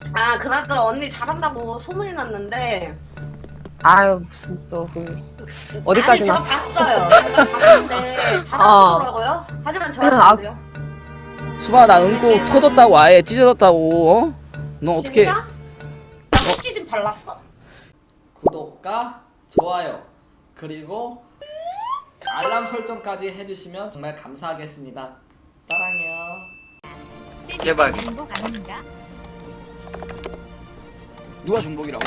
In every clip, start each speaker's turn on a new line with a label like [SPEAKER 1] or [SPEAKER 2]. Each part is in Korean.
[SPEAKER 1] 아, 그나저나 언니 잘한다고 소문이 났는데.
[SPEAKER 2] 아유 무슨 또 그 어디까지
[SPEAKER 1] 아니, 제가
[SPEAKER 2] 났어?
[SPEAKER 1] 봤어요. 제가 봤는데 잘하시더라고요. 하지만 저한테 안 돼요.
[SPEAKER 3] 수바 나 응고 터졌다고 아예 찢어졌다고. 어? 너 어떻게?
[SPEAKER 1] 진짜? 나 시즌 발랐어?
[SPEAKER 3] 구독과 좋아요 그리고 알람 설정까지 해주시면 정말 감사하겠습니다. 사랑해요.
[SPEAKER 4] 제발.
[SPEAKER 5] 중복 아닙니다.
[SPEAKER 4] 누가 중복이라고?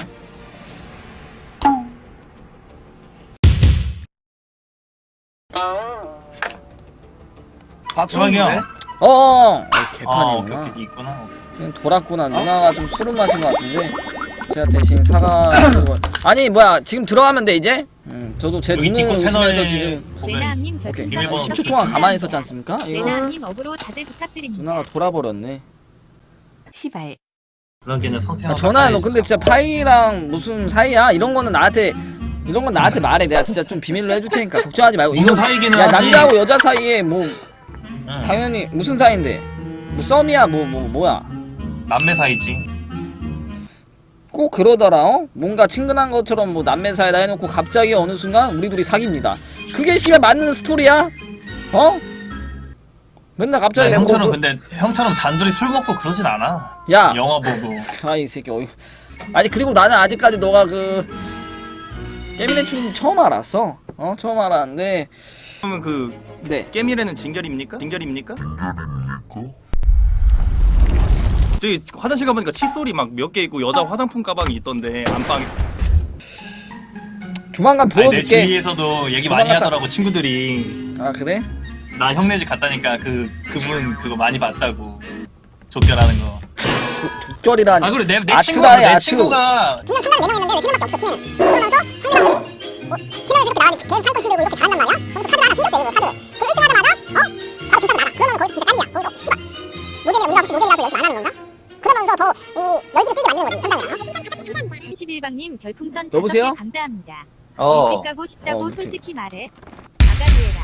[SPEAKER 4] 박수영이요?
[SPEAKER 3] 개판이구나.
[SPEAKER 4] 오케이, 있구나.
[SPEAKER 3] 그냥 돌았구나. 누나가 좀 술을 마신 것 같은데 제가 대신 사과. 아니 뭐야 지금 들어가면 돼 이제? 저도 제
[SPEAKER 4] 여기
[SPEAKER 3] 눈을
[SPEAKER 4] 틱톡 채널에
[SPEAKER 3] 의심해서 지금
[SPEAKER 5] 레나님
[SPEAKER 3] 오케이
[SPEAKER 5] 별풍선
[SPEAKER 3] 10초 동안 가만히 있었지 않습니까? 이거
[SPEAKER 5] 레나님 업으로 자제 부탁드립니다.
[SPEAKER 3] 누나가 돌아버렸네.
[SPEAKER 5] 시발.
[SPEAKER 4] 그러기에는 성태형.
[SPEAKER 3] 전화야 너 근데 진짜 파이랑 무슨 사이야? 이런 거는 나한테 말해. 내가 진짜 좀 비밀로 해줄 테니까 걱정하지 말고.
[SPEAKER 4] 무슨 사이기는
[SPEAKER 3] 야
[SPEAKER 4] 하지.
[SPEAKER 3] 남자하고 여자 사이에 뭐
[SPEAKER 4] 응.
[SPEAKER 3] 당연히 무슨 사이인데 뭐 썸이야 뭐야?
[SPEAKER 4] 남매 사이지.
[SPEAKER 3] 꼭 그러더라. 뭔가 친근한 것처럼 뭐 남매 사이다 해놓고 갑자기 어느 순간 우리 둘이 사깁니다. 그게 씨발 맞는 스토리야? 어? 맨날 갑자기
[SPEAKER 4] 야,
[SPEAKER 3] 내가
[SPEAKER 4] 형처럼
[SPEAKER 3] 뭐
[SPEAKER 4] 근데 형처럼 단둘이 술 먹고 그러진 않아.
[SPEAKER 3] 야!
[SPEAKER 4] 영화 보고.
[SPEAKER 3] 아이 새끼 어이. 아니 그리고 나는 아직까지 너가 그 깨미네 춤 처음 알았어. 처음 알았는데.
[SPEAKER 6] 그러면 그
[SPEAKER 3] 네.
[SPEAKER 6] 깨미래는 진결입니까? 진결입니까? 저기 화장실 가보니까 칫솔이 막 몇 개 있고 여자 화장품 가방이 있던데 안방에.
[SPEAKER 3] 조만간
[SPEAKER 4] 아니, 내
[SPEAKER 3] 보여줄게.
[SPEAKER 4] 주위에서도 얘기 많이
[SPEAKER 3] 조만간
[SPEAKER 4] 하더라고 친구들이.
[SPEAKER 3] 아 그래?
[SPEAKER 4] 나 형네 집 갔다니까 그분 그거 많이 봤다고. 족결하는 거.
[SPEAKER 3] 족절이라니.
[SPEAKER 4] 아 그래 내
[SPEAKER 3] 아트다,
[SPEAKER 4] 친구가 내
[SPEAKER 3] 아트.
[SPEAKER 4] 친구가
[SPEAKER 7] 분명 천만 4명 있는데 왜 3명밖에 없어 팀은 그러면서 상대방들이 뭐 팀에서 이렇게 나왔는데 걔는 상위권 들고 이렇게 잘한단 말이야? 그러면서 카드를 하나 숨겼어 얘가 카드 그 1등 하자마자 바로 주차장 나가 그러면 거기서 진짜 깐이야 거기서 씨발 노잼이야 우리가 혹시 노잼이라서 연습 안 하는 건가? 그러면서 더 이 열기를 끈기 만드는 거지 상당히
[SPEAKER 5] 31방님 별풍선
[SPEAKER 3] 여보세요?
[SPEAKER 5] 5개 감사합니다.
[SPEAKER 3] 어.
[SPEAKER 5] 일찍 가고 싶다고
[SPEAKER 3] 미팅.
[SPEAKER 5] 솔직히 말해. 아가리에라.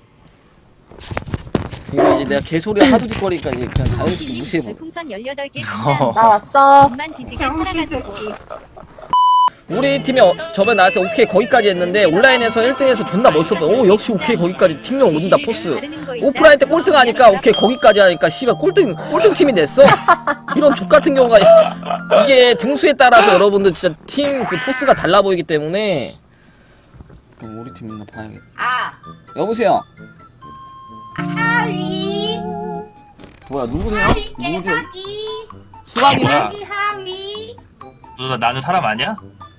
[SPEAKER 3] 이거 이제 내가 개소리 하도 짓거리니까 이제 그냥 자연스럽게
[SPEAKER 5] 님
[SPEAKER 3] 무시해버.
[SPEAKER 5] 별풍선 18개
[SPEAKER 2] 나
[SPEAKER 5] 감사합니다.
[SPEAKER 2] 왔어.
[SPEAKER 5] 엄만 뒤지게 살아가지고.
[SPEAKER 3] 우리 팀이 저번에 나한테 오케이 거기까지 했는데 온라인에서 1등해서 존나 멋있었다. 오 역시 오케이 거기까지 팀명 오른다 포스. 오프라인 때 꼴등 하니까 오케이 거기까지 하니까 씨발 꼴등 팀이 됐어. 이런 족 같은 경우가 이게 등수에 따라서 여러분들 진짜 팀 그 포스가 달라 보이기 때문에 우리 팀 있나 봐야겠다.
[SPEAKER 1] 아,
[SPEAKER 3] 여보세요.
[SPEAKER 1] 하위.
[SPEAKER 3] 뭐야 누구세요?
[SPEAKER 1] 하위
[SPEAKER 3] 누구세요?
[SPEAKER 1] 깨박이.
[SPEAKER 3] 수박이네?
[SPEAKER 1] 깨박이 하위.
[SPEAKER 4] 너 나는 사람 아니야?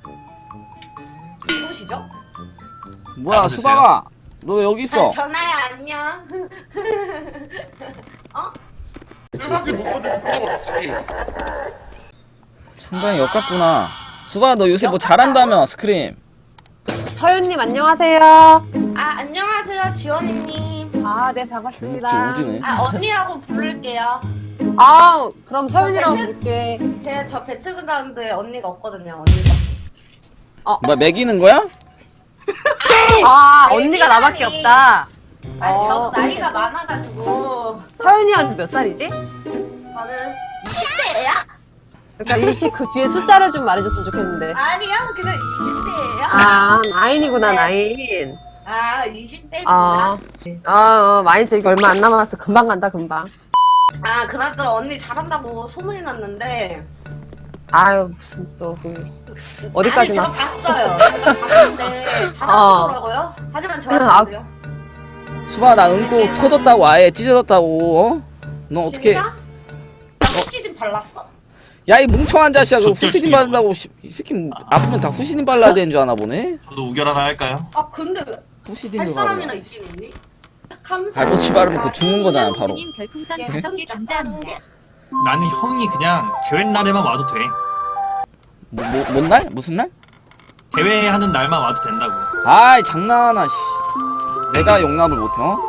[SPEAKER 1] 누구시죠?
[SPEAKER 3] 뭐야
[SPEAKER 4] 나와주세요.
[SPEAKER 3] 수박아 너 왜 여기 있어?
[SPEAKER 1] 아, 전화야, 안녕.
[SPEAKER 3] 상당히 역같구나. 수박아 너 요새 뭐 잘한다며 스크림.
[SPEAKER 2] 서윤님 안녕하세요.
[SPEAKER 1] 아, 안녕하세요, 지원이님.
[SPEAKER 2] 아 네
[SPEAKER 3] 좀
[SPEAKER 2] 반갑습니다.
[SPEAKER 3] 오지네.
[SPEAKER 1] 아, 언니라고 부를게요.
[SPEAKER 2] 아 그럼 서윤이라고 부를게.
[SPEAKER 1] 저 배틀그라운드에 언니가 없거든요, 언니가.
[SPEAKER 3] 뭐야 매기는 거야?
[SPEAKER 2] 아
[SPEAKER 1] 아니,
[SPEAKER 2] 언니가 나밖에
[SPEAKER 1] 미안해.
[SPEAKER 2] 없다.
[SPEAKER 1] 아니, 저도
[SPEAKER 2] 어.
[SPEAKER 1] 나이가 많아가지고.
[SPEAKER 2] 서윤이 언니 몇 살이지?
[SPEAKER 1] 저는 20대예요?
[SPEAKER 2] 그러니까 이시 그 뒤에 숫자를 좀 말해줬으면 좋겠는데.
[SPEAKER 1] 아니요, 그냥 20대예요.
[SPEAKER 2] 아 나인이구나
[SPEAKER 1] 네.
[SPEAKER 2] 나인.
[SPEAKER 1] 아, 20대입니다.
[SPEAKER 2] 많이 저기 얼마 안 남았어. 금방 간다 금방.
[SPEAKER 1] 아, 그나저나 언니 잘한다고 소문이 났는데.
[SPEAKER 2] 아유 무슨 또 그 어디까지
[SPEAKER 1] 아니, 제가
[SPEAKER 2] 났어?
[SPEAKER 1] 봤어요. 제가 봤는데 잘하시더라고요. 하지만 저한테 안 돼요.
[SPEAKER 3] 수박아 나 응고 터졌다고 아예 찢어졌다고. 너 어떻게?
[SPEAKER 1] 진짜? 나 시즌 발랐어?
[SPEAKER 3] 야 이 뭉청한 자식아 그
[SPEAKER 4] 족결
[SPEAKER 3] 후시딘
[SPEAKER 4] 시키고.
[SPEAKER 3] 바른다고 이 새끼 아프면 다 후시딘 발라야 되는 줄 아나 보네.
[SPEAKER 4] 저도 우결 하나 할까요?
[SPEAKER 1] 아, 근데 왜 할
[SPEAKER 3] 후시딘을
[SPEAKER 1] 사람이나
[SPEAKER 3] 바르라.
[SPEAKER 1] 있긴 있니? 감사합니다.
[SPEAKER 3] 발붙이 바르면 그 죽는 거잖아 바로.
[SPEAKER 5] 님 별풍선
[SPEAKER 1] 예쁜
[SPEAKER 5] 5개
[SPEAKER 1] 짝
[SPEAKER 5] 감사합니다.
[SPEAKER 4] 나는 형이 그냥 대회 날에만 와도 돼.
[SPEAKER 3] 뭔 날? 무슨 날?
[SPEAKER 4] 대회하는 날만 와도 된다고.
[SPEAKER 3] 아이 장난하나 씨. 내가 용납을 못해 어?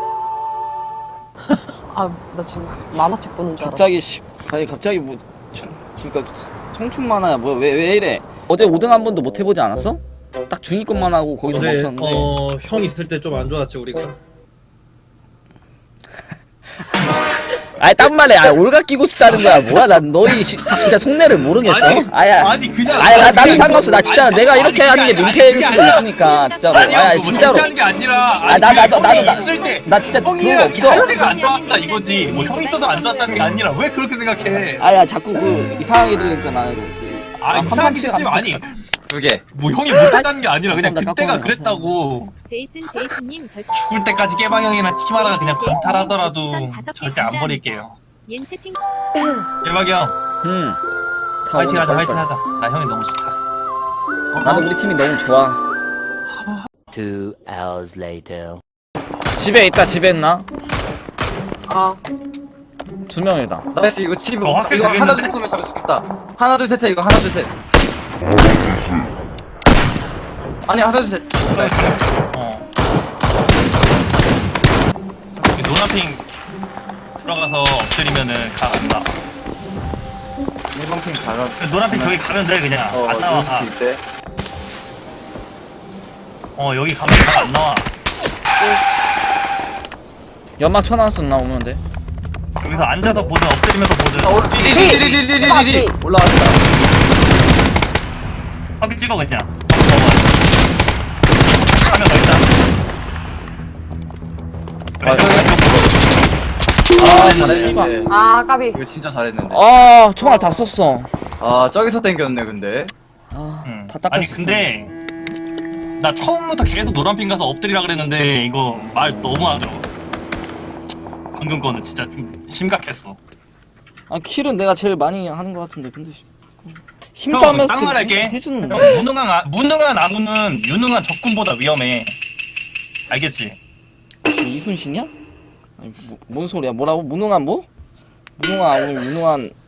[SPEAKER 2] 아나 지금 만화책 보는 줄 알았어.
[SPEAKER 3] 갑자기 씨. 아니 갑자기 뭐 그러니까 청춘 만화야 뭐 왜 이래? 어제 5등 한 번도 못 해보지 않았어? 딱 중위권만 하고 거기서
[SPEAKER 8] 어제
[SPEAKER 3] 멈췄는데.
[SPEAKER 8] 형 있을 때 좀 안 좋았지 우리가.
[SPEAKER 3] 아니 딴 말에 올가 끼고 싶다는 거야. 뭐야 난 너희 진짜 속내를 모르겠어.
[SPEAKER 4] 아니 그냥
[SPEAKER 3] 나도 상관없어. 나 진짜 내가 이렇게 하는 게 민폐일 수도 있으니까 진짜로.
[SPEAKER 4] 아니
[SPEAKER 3] 진짜로.
[SPEAKER 4] 하는 게 아니라
[SPEAKER 3] 나 진짜 그런 거
[SPEAKER 4] 형이랑
[SPEAKER 3] 없어.
[SPEAKER 4] 할 때가 안 좋았다 이거지. 뭐 형이 있어서 안 좋았다는 게 아니라 왜 그렇게 생각해?
[SPEAKER 3] 자꾸 이상하게 들으니까 나는
[SPEAKER 4] 이상하게 듣지 마. 아니
[SPEAKER 6] 그게
[SPEAKER 4] 뭐 형이 못했다는 게 아니라 그냥
[SPEAKER 3] 감사합니다.
[SPEAKER 4] 그때가
[SPEAKER 3] 깎아놓은
[SPEAKER 4] 그랬다고.
[SPEAKER 5] 제이슨님 별
[SPEAKER 4] 죽을 때까지 깨방형이랑 팀하다가 그냥
[SPEAKER 5] 제이슨
[SPEAKER 4] 방탈하더라도
[SPEAKER 5] 제이슨 다섯 개
[SPEAKER 4] 절대 안
[SPEAKER 5] 진짜
[SPEAKER 4] 버릴게요.
[SPEAKER 5] 옌 채팅
[SPEAKER 4] 깨방이 형 화이팅 하자 화이팅 하자. 나 형이 너무 좋다.
[SPEAKER 3] 나도 우리 팀이 너무 좋아.
[SPEAKER 8] 2 hours later.
[SPEAKER 3] 집에 있다. 집에 있나?
[SPEAKER 2] 어.
[SPEAKER 3] 2명이다.
[SPEAKER 6] 나이스. 이거 칩
[SPEAKER 4] 확실히
[SPEAKER 6] 이거 하나
[SPEAKER 4] 되겠는데?
[SPEAKER 6] 둘 셋 하면 잡을 수 있겠다. 하나 둘 셋 해. 이거 하나 둘 셋. 아니 하나 둘 셋. 나이스.
[SPEAKER 4] 여기 노나핑 들어가서 엎드리면은 각 안 나.
[SPEAKER 6] 1번 핑 가라.
[SPEAKER 4] 노나핑 저기 가면 돼 그냥. 안 나와. 가.
[SPEAKER 6] 이때.
[SPEAKER 4] 여기 가면 각 안 나와.
[SPEAKER 3] 연막 쳐놨어. 나 오면 돼.
[SPEAKER 4] 여기서 앉아서 보든 엎드리면서 보든.
[SPEAKER 6] 오늘 디디디디디디디
[SPEAKER 2] 맞지?
[SPEAKER 6] 올라왔다.
[SPEAKER 4] 사기 찍어 그냥. 카메라 있다.
[SPEAKER 6] 잘했는데.
[SPEAKER 2] 아 까비.
[SPEAKER 6] 이거 진짜 잘했는데.
[SPEAKER 3] 총알 다 썼어.
[SPEAKER 6] 저기서 땡겼네 근데.
[SPEAKER 4] 응.
[SPEAKER 3] 다 닦았어.
[SPEAKER 4] 아니 근데 나 처음부터 계속 노란핑 가서 엎드리라 그랬는데 이거 말 너무 하더라고. 방금 거는 진짜 좀 심각했어.
[SPEAKER 3] 킬은 내가 제일 많이 하는 것 같은데 근데 힘싸움에서
[SPEAKER 4] 딱 말할게.
[SPEAKER 3] 해주는
[SPEAKER 4] 형, 무능한 아무는 유능한 적군보다 위험해. 알겠지?
[SPEAKER 3] 이순신이야? 아니 뭔 소리야? 뭐라고? 무능한 뭐? 무능한 아무 유능한